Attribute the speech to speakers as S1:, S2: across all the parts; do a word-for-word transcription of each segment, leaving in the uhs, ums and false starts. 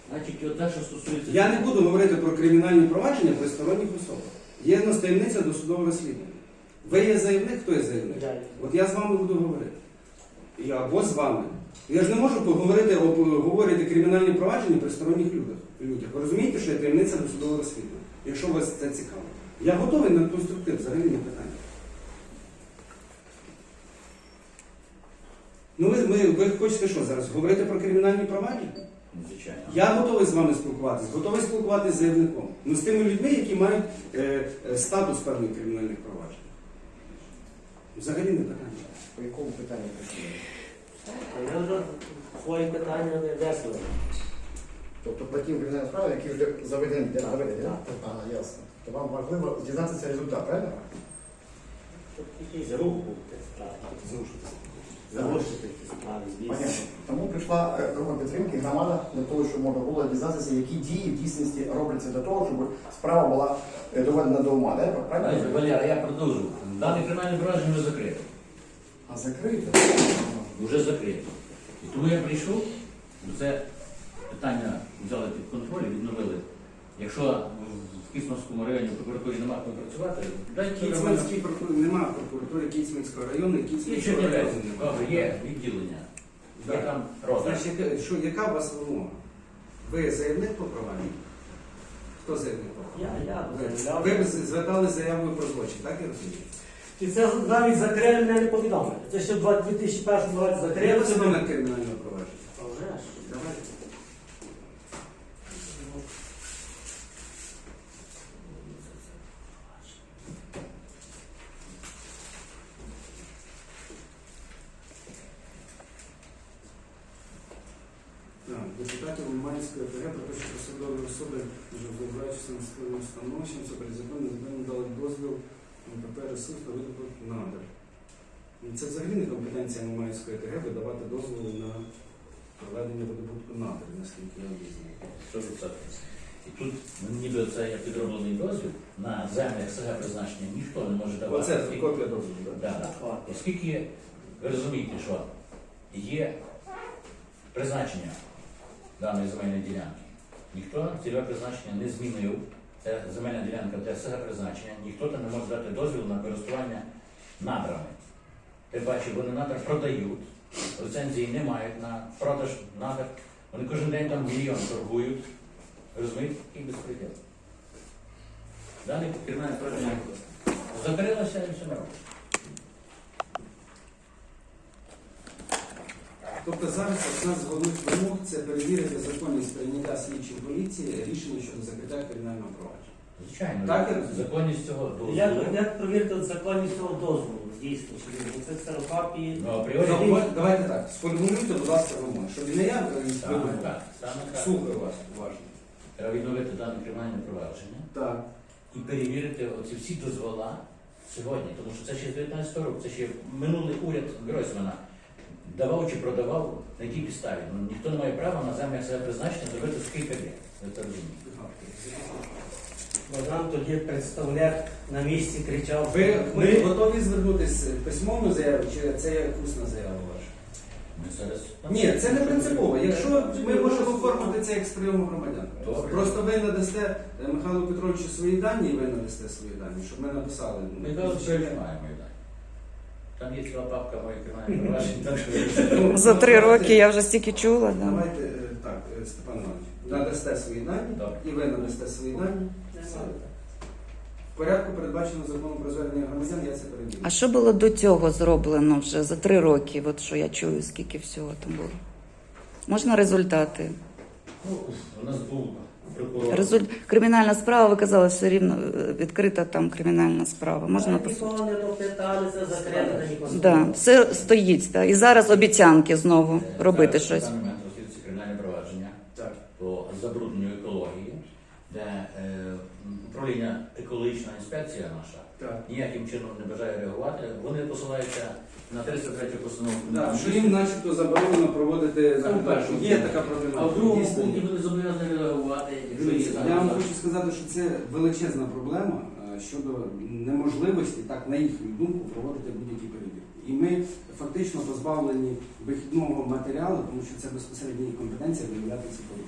S1: Значить, те, що стосується...
S2: Я не буду говорити про кримінальні провадження при сторонніх особах. Є в нас таємниця досудового розслідування. Ви є заявник, хто є заявник? От я з вами буду говорити. Я або з вами. Я ж не можу поговорити, обговорити кримінальні провадження при сторонніх людях. людях. Ви розумієте, що є таємниця досудового розслідування, якщо вас це цікаво. Я готовий на конструктив, взагалі не питання. Ну ви, ви, ви хочете що зараз? Говорити про кримінальні провадження?
S1: Звичайно.
S2: Я готовий з вами спілкуватися, готовий спілкуватися з заявником. Ну з тими людьми, які мають е, е, статус певних кримінальних проваджень. Взагалі не питання.
S3: По якому питанню працює?
S4: Я вже свої питання не весело.
S3: Тобто по тим кримінальним справам, які вже заведені для
S4: Так,
S3: доведення?
S4: так.
S3: Ага, ясно. То вам важливо дізнатися результат, правильно?
S4: Щоб якийсь рух був в тій справі.
S3: Зрушитися.
S4: Залишити ті справи, звісно.
S3: Понятно. Тому прийшла е, група підтримки, громада, для того, щоб можна було дізнатися, які дії в дійсності робляться для того, щоб справа була е, доведена до ума. Так? Правильно?
S1: Знаєте, Валера, я продовжу. Дане кримінальне провадження вже закрите.
S3: А закрите?
S1: Вже закрите. І тому я прийшов, бо це питання взяли під контроль і відновили. Якщо в Кіцманському районі в прокуратурі немає кому працювати, дайте
S2: Кіцманській прокуратурі немає прокуратури Кіцманського району, і
S1: Є
S2: Кіцманського району
S1: Чернівецький,
S2: немає.
S1: добре, є відділення. Є
S2: Так.
S1: там розгляд.
S2: Значить, яка- що, яка у вас вимога? Ви заявник по провадженню? Хто заявник по провадженню?
S4: Я, я
S2: Ви,
S4: заявляв.
S2: ви звертали заявою про злочин, так я розумію?
S4: І це навіть закрили, мене не повідомили. Це ще в дві тисячі першому році
S2: Є
S4: закрили.
S2: це номер кримінального провадження?
S4: А вже ж.
S2: Давайте. Так, депутатів Лиманської ОТГ про те, що посадові особи, вже вважаючися на своїм становищем, це перед законом законом дали дозвіл на ПП ресурс та видобуток надр. І це взагалі не компетенція Лиманської ОТГ видавати дозволи на проведення видобутку надр, наскільки я знаю.
S1: сто відсотків. І тут ніби це є підроблений дозвіл на землях СГ призначення ніхто не може давати.
S2: Оце копія дозволу, так?
S1: Да, да. Оскільки ви розумієте, що є призначення даної земельної ділянки, ніхто цільове призначення не змінив. Це земельна ділянка для СГ призначення, ніхто там не може дати дозвіл на користування надрами. Ти бачиш, вони надр продають, ліцензії не мають на продаж надр. Вони кожен день там мільйон торгують. Розумієте, який безпреділ. Далі кримінальне провадження закрилося і все нормально.
S2: Тобто зараз одна з головних вимог це перевірити законність прийняття слідчої поліції рішення щодо закриття кримінального провадження.
S1: Звичайно,
S2: Так, я розумію.
S1: законність цього дозволу.
S4: Як, як провірити законність цього дозволу? Дійсно, чи він це ксерокопії?
S1: Ну, апріорі,
S2: Ну, давайте так, сформулюйте, будь ласка, вимоги, щоб не я
S1: саме
S2: вибухав.
S1: так, саме так.
S2: Слухаю вас уважно.
S1: Треба відновити дане кримінальне провадження
S2: Так.
S1: і перевірити оці всі дозвола сьогодні, тому що це ще з дев'ятнадцятого року, це ще минулий уряд Гройсмана давав чи продавав на якій підставі. Ну, ніхто не має права на землях себе призначення зробити скільки є. Ви це розумієте.
S4: Бо нам тоді представник на місці кричав.
S2: Ви,
S4: ми
S2: ви готові звернутися письмовну заяву, чи це є усна заява ваша?
S1: Ми зараз...
S2: Ні, це не принципово. Якщо ми можемо оформити це як з прийому громадян.
S1: Добре.
S2: Просто ви надасте е, Михайлу Петровичу свої дані, і ви надасте свої дані, щоб ми написали.
S1: Ми кажемо, що немає мої дані. Там є ціла папка моїх кримінальних проваджень, так що...
S2: Ну,
S5: За три
S2: давайте-
S5: роки я вже стільки чула. Да.
S2: Давайте е, так, е, Степан Іванович, надасте свої дані,
S1: Добре.
S2: і ви надасте свої дані. Все. В порядку передбачено законом про звернення громадян, я це перевірю.
S5: А що було до цього зроблено вже за три роки? От що я чую, скільки всього там було. Можна результати?
S1: Ну, у нас був прокурор.
S5: Резуль... Кримінальна справа, ви казали, все рівно е, відкрита там кримінальна справа. Можна по суті.
S4: Нікого не допиталися, закрили нікого.
S5: Да, все стоїть. Да. І зараз обіцянки знову робити
S1: Зараз
S5: щось.
S1: На даний момент розслідується кримінальне провадження
S2: Так.
S1: по забрудненню екології, де е, управління екологічна інспекція наша
S2: Так.
S1: ніяким чином не бажає реагувати. Вони посилаються на триста третю постанову.
S2: Так, що їм начебто заборонено проводити
S1: Це в першому
S2: Є
S1: пункті.
S2: така проблема.
S1: А в другому
S2: Дійсно,
S1: пункті
S2: є.
S1: вони зобов'язані реагувати, якщо є
S2: Дивіться,
S1: там
S2: я вам
S1: зараз.
S2: хочу сказати, що це величезна проблема е, щодо неможливості, так на їхню думку, проводити будь-які перевірки. І ми фактично позбавлені вихідного матеріалу, тому що це безпосередня їх компетенція виявляти ці порушення.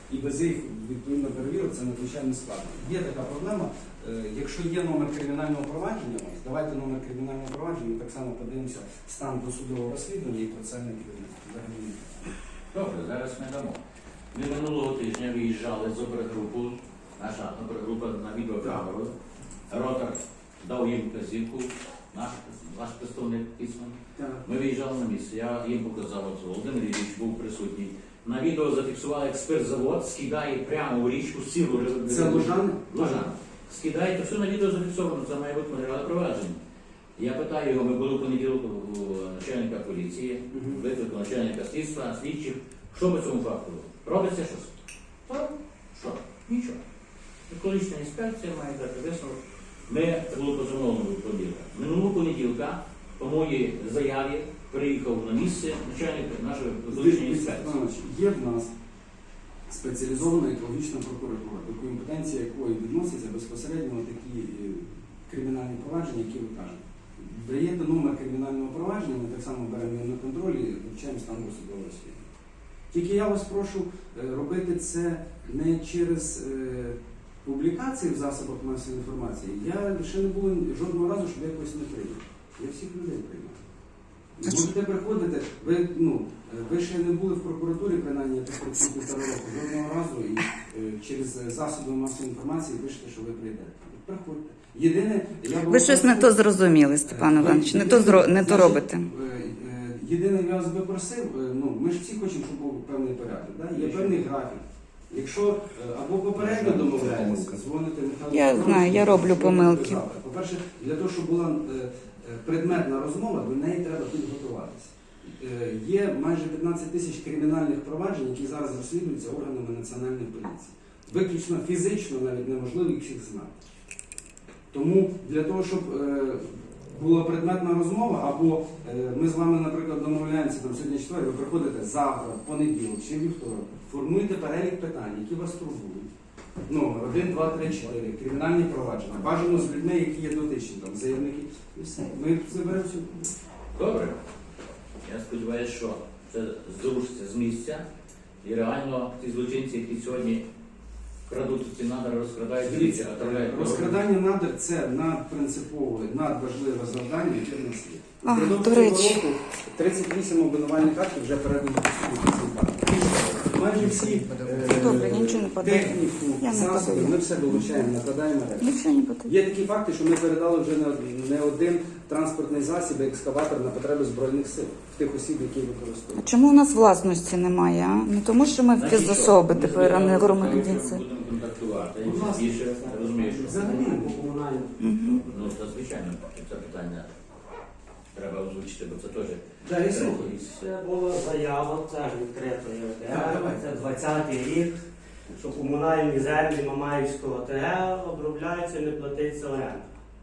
S2: і без їх відповідно перевірок це надзвичайно складно. Є така проблема. Е, Якщо є номер кримінального провадження, ось, давайте номер кримінального провадження, ми так само подивимося стан досудового розслідування і процесуальне керівництво. Взагалі ні.
S1: Добре, зараз ми дамо. Ми минулого тижня виїжджали з опергрупу, наша опергрупа на відеокамеру. Ротор дав їм вказівку, наш, наш представник письмен.
S2: Так.
S1: Ми виїжджали на місце, я їм показав, от Володимир Ілліч був присутній. На відео зафіксував експертзавод, скидає прямо у річку сіру.
S2: Це Лужани?
S1: Лужани. Скидає, то все на відео зафіксовано, це має бути матеріали провадження. Я питаю його, ми були в понеділок у начальника поліції,
S2: Мгм.
S1: викликав начальника слідства, слідчих. Що по цьому факту? Робиться щось? Так. Що? Нічого. Екологічна інспекція має дати висновок. Ми, це було позовного понеділка. Минулого понеділка, по моїй заяві, приїхав на місце начальник нашої екологічної інспекції.
S2: Іванович, є в нас спеціалізована екологічна прокуратура, до компетенції якої відносяться безпосередньо такі е, кримінальні провадження, які ви кажете. Даєте номер кримінального провадження, ми так само беремо його на контроль і вивчаємо стан досудового розслідування. Тільки я вас прошу е, робити це не через е, публікації в засобах масової інформації. Я ще не було жодного разу, щоб я когось не прийняв. Я всіх людей приймаю. Можете приходити, ви, ну, ви ще не були в прокуратурі, принаймні, я тут працюю півтора року, жодного разу і е, через засоби масової інформації пишете, що ви прийдете. Приходьте. Єдине, я
S5: Ви щось не то зрозуміли, Степан Іванович, не то зро- не то робите.
S2: Е, е, Єдине, я вас би просив, е, ну, ми ж всі хочемо, щоб був певний порядок. Да? Є певний графік. Якщо е, або попередньо домовляємося, дзвоните Михайлу.
S5: Я
S2: Петровичу,
S5: знаю, я роблю
S2: щоб
S5: помилки.
S2: завтра. По-перше, для того, щоб була е, е, предметна розмова, до неї треба підготуватися. Е, Є майже п'ятнадцять тисяч кримінальних проваджень, які зараз розслідуються органами національної поліції. Виключно фізично навіть неможливо їх всіх знати. Тому для того, щоб е, була предметна розмова, або е, ми з вами, наприклад, домовляємося там сьогодні четвер, ви приходите завтра, в понеділок чи вівторок, формуєте перелік питань, які вас турбують. Номер один, два, три, чотири, кримінальні провадження. Бажано з людьми, які є дотичні, там, заявники. І все. Ми заберемо всю.
S1: Добре. Я сподіваюся, що це зрушиться з місця. І реально ті злочинці, які сьогодні крадуть ці надра, розкрадають
S2: Дивіться,
S1: річі, отравляють.
S2: розкрадання надр – це надпринципове, надважливе завдання, яке в нас є.
S5: А,
S2: Впродовж
S5: до
S2: цього
S5: речі.
S2: року тридцять вісім обвинувальних актів вже передані до суду. Майже всі е,
S5: Добре, я нічого не подаю.
S2: техніку,
S5: Я не
S2: засоби,
S5: подаю.
S2: ми все долучаємо, накладаємо мережу.
S5: Нічого не потрібно.
S2: Є такі факти, що ми передали вже не- не один транспортний засіб, екскаватор на потреби Збройних сил, в тих осіб, які
S5: А
S2: використовують.
S5: чому у нас власності немає? А? Не тому, що ми
S1: Значить,
S5: фізособи
S1: що?
S5: тепер, а не
S1: Можливо,
S5: громадянці.
S1: якщо Будемо контактувати.
S2: Будь ласка.
S1: Більше, я розумію, що
S2: Взагалі.
S4: По комунальному.
S5: Мгм.
S1: ну, це звичайно, це питання треба озвучити, бо це теж
S2: Да, я слухаю.
S4: Це була заява, це ж відкрито є
S2: Так, давай.
S4: Це двадцятий рік, що комунальні землі Мамаївського ТГ обробляються і не платиться оренда.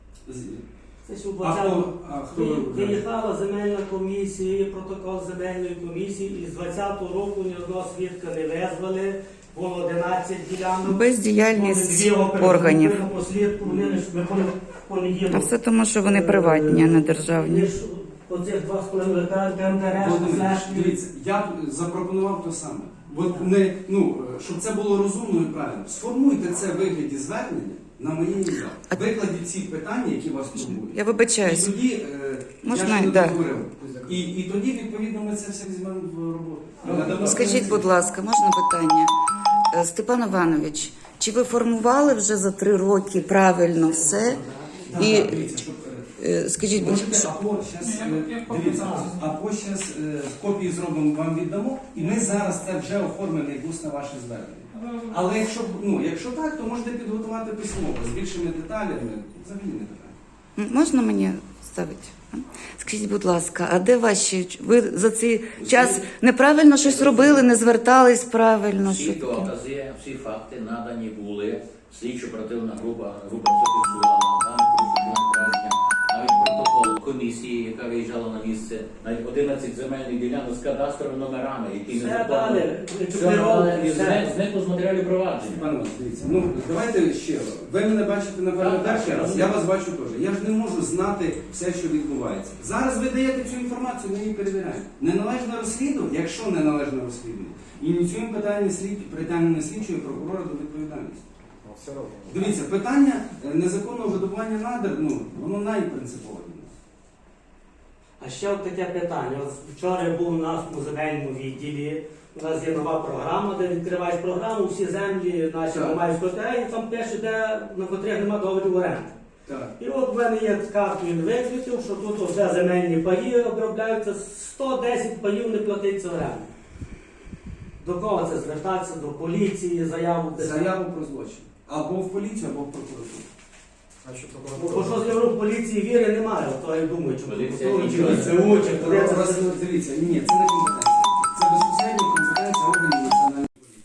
S4: Це ж у
S2: А
S4: двадцятому
S2: хто, а хто ви-
S4: виїхала земельна комісія, є протокол земельної комісії, і з двадцятого року ні одного свідка не визвали, було одинадцять ділянок.
S5: Бездіяльність
S4: Дві опери
S5: органів.
S4: групи на послідку, вони лише ми пон- в понеділок.
S5: А все тому, що вони приватні, а не державні.
S4: Лиш оцих два з половиною гектари, там де решта
S2: Володимир,
S4: все.
S2: дивіться, я запропонував те саме. От не, ну, щоб це було розумно і правильно. Сформуйте це в вигляді звернення на моє ім'я. Викладіть ці питання, які вас турбують.
S5: Я
S2: І
S5: вибачаюсь.
S2: тоді, е,
S5: Можна,
S2: я ще не
S5: да.
S2: договорив. І, і тоді, відповідно, ми це все візьмемо в роботу. Надамо
S5: Скажіть, будь ласка, можна питання? Е, Степан Іванович, чи ви формували вже за три роки правильно все?
S2: Так,
S5: І
S2: так, дивіться, щоб, е,
S5: е, скажіть, будь
S2: можете,
S5: ласка,
S2: або щас, е, дивіться, або зараз копії зробимо, вам віддамо, і ми зараз це вже оформимо як усне ваше звернення. Але якщо, ну, якщо так, то можете підготувати письмово з більшими деталями, взагалі не питання.
S5: м, можна мені ставити? Скажіть, будь ласка, а де ваші? Ви за цей час неправильно щось робили, не звертались правильно?
S1: всі
S5: Що таке?
S1: докази, всі факти надані були. Слідчо оперативна група, група все фіксувала, там порушення провадження. навіть протокол комісії, яка виїжджала на місце, навіть одинадцять земельних ділянок з кадастровими номерами, які
S4: Все
S1: не
S4: далі,
S1: Все надали, і
S4: все.
S1: зне- зникло з матеріалів провадження.
S2: Пане Іван, дивіться, ну давайте ще. Ви мене бачите, напевно,
S1: Так, так,
S2: перший раз, я вас бачу теж. Я ж не можу знати все, що відбувається. Зараз ви даєте цю інформацію, ми її перевіряємо. Неналежне розслідування, якщо неналежне розслідування, ініціюємо питання слід, притягнення слідчого і прокурора до відповідальності.
S3: Ну, все робимо.
S2: Дивіться, питання е, незаконного видобування надр, ну, воно найпринципове.
S4: А ще от таке питання. От вчора я був у нас в земельному відділі. У нас є нова програма, де відкриваєш програму, всі землі наші
S2: Так.
S4: мають і там пише, де на котрих немає договорів оренди.
S2: Так.
S4: І от в мене є карту, він викритив, що тут вже земельні паї обробляються, сто десять паїв не платиться оренду. До кого це звертатися? До поліції, заяву писати?
S2: Заяву про злочин. Або в поліцію, або в прокуратуру.
S3: Значить,
S4: Бо
S3: прокуратура.
S4: що з євро поліції віри немає, то я думаю, чи
S1: Поліція
S4: прокуратура, чи
S1: нічого не
S4: ВЦУ, чи куди це
S2: Роз- Дивіться, ні, це не